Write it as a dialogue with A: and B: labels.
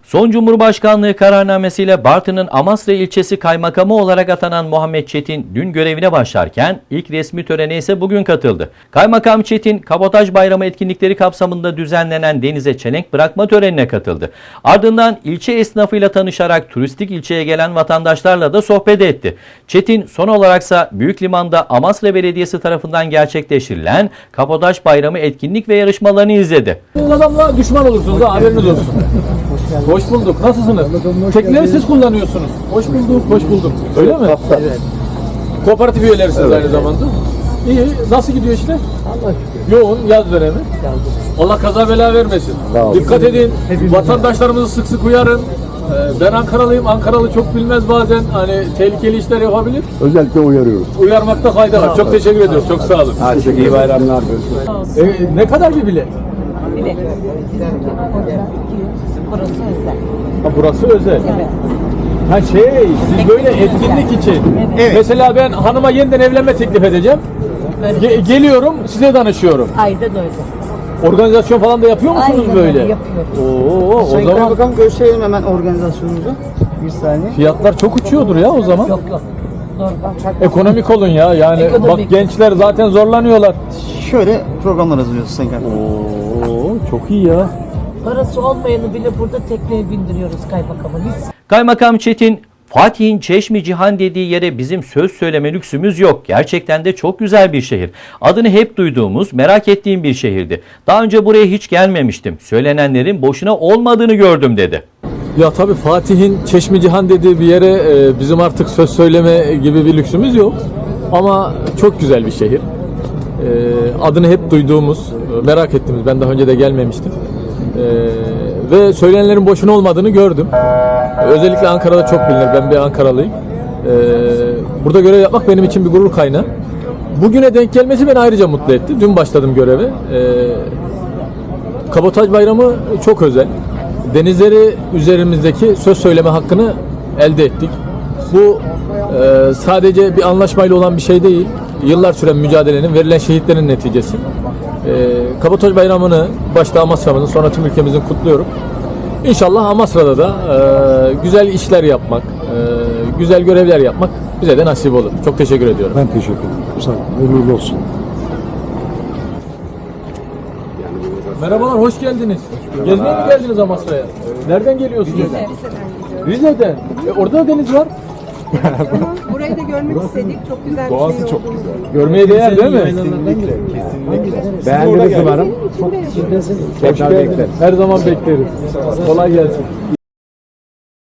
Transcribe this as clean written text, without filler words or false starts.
A: Son Cumhurbaşkanlığı kararnamesiyle Bartın'ın Amasra ilçesi kaymakamı olarak atanan Muhammed Çetin dün görevine başlarken ilk resmi törene ise bugün katıldı. Kaymakam Çetin, Kabotaj Bayramı etkinlikleri kapsamında düzenlenen denize çelenk bırakma törenine katıldı. Ardından ilçe esnafıyla tanışarak turistik ilçeye gelen vatandaşlarla da sohbet etti. Çetin son olaraksa Büyükliman'da Amasra Belediyesi tarafından gerçekleştirilen Kabotaj Bayramı etkinlik ve yarışmalarını izledi.
B: Adamla düşman olursunuz ha, haberiniz olsun. Hoş bulduk. Nasılsınız? Tekneleri siz kullanıyorsunuz. Hoş bulduk, hoş bulduk. Öyle mi?
C: Evet.
B: Kooperatif üyelerisiniz aynı zamanda. İyi. Nasıl gidiyor işte?
C: Allah şükür.
B: Yoğun yaz dönemi. Allah kaza bela vermesin. Dikkat edin. Vatandaşlarımızı sık sık uyarın. Ben Ankaralıyım. Ankaralı çok bilmez bazen. Hani tehlikeli işler yapabilir.
C: Özellikle uyarıyoruz.
B: Uyarmakta fayda var. Çok teşekkür ediyorum. Çok sağ olun.
C: İyi bayramlar.
B: Ne kadar bir bilet?
D: Bilet. Burası özel.
B: Ha, burası özel.
D: Evet.
B: Ha siz böyle etkinlik için.
D: Evet.
B: Mesela ben hanıma yeniden evlenme teklif edeceğim. Geliyorum, size danışıyorum.
D: Aynen öyle.
B: Organizasyon falan da yapıyor musunuz
D: Aynen
B: böyle?
D: öyle, yapıyoruz.
B: Oo, o
E: Sayın
B: zaman
E: Kaymakam gösterelim hemen organizasyonumuzu. Bir saniye.
B: fiyatlar çok uçuyordur ya o zaman.
D: Yok. Normal.
B: Ekonomik olun ya. Yani
D: Ekonomik.
B: bak gençler zaten zorlanıyorlar.
E: Şöyle programlar hazırlıyoruz Sayın Kaymakam.
B: Oo, çok iyi ya.
D: Parası olmayanı bile burada tekneye bindiriyoruz kaymakamın. Hiç
A: Kaymakam Çetin, Fatih'in Çeşmi Cihan dediği yere bizim söz söyleme lüksümüz yok. Gerçekten de çok güzel bir şehir. Adını hep duyduğumuz, merak ettiğim bir şehirdi. Daha önce buraya hiç gelmemiştim. Söylenenlerin boşuna olmadığını gördüm dedi.
B: Ya tabii Fatih'in Çeşmi Cihan dediği bir yere bizim artık söz söyleme gibi bir lüksümüz yok. Ama çok güzel bir şehir. Adını hep duyduğumuz, merak ettiğimiz, ben daha önce de gelmemiştim. Ve söylenenlerin boşuna olmadığını gördüm. Özellikle Ankara'da çok bilinir. Ben bir Ankaralıyım. Burada görev yapmak benim için bir gurur kaynağı. Bugüne denk gelmesi beni ayrıca mutlu etti. Dün başladım göreve. Kabotaj Bayramı çok özel. Denizleri üzerimizdeki söz söyleme hakkını elde ettik. Bu sadece bir anlaşmayla olan bir şey değil. Yıllar süren mücadelenin, verilen şehitlerin neticesi. Kabotaj Bayramı'nı başta Amasra'mızın, sonra tüm ülkemizin kutluyorum. İnşallah Amasra'da da güzel işler yapmak, güzel görevler yapmak bize de nasip olur. Çok teşekkür ediyorum.
C: Ben teşekkür ederim. Sağ olun. Hayırlı olsun.
B: Merhabalar, hoş geldiniz. Gezmeye mi geldiniz Amasra'ya? Nereden geliyorsunuz? Rize'den. Orada da deniz var.
F: Burayı da görmek istedik. Çok güzel bir
C: Doğası
F: şey
C: çok
F: olduğunu
C: güzel.
B: Görmeye değer değil mi?
C: Beğendiniz umarım.
B: Hoş geldiniz. Her zaman bekleriz. Kolay gelsin.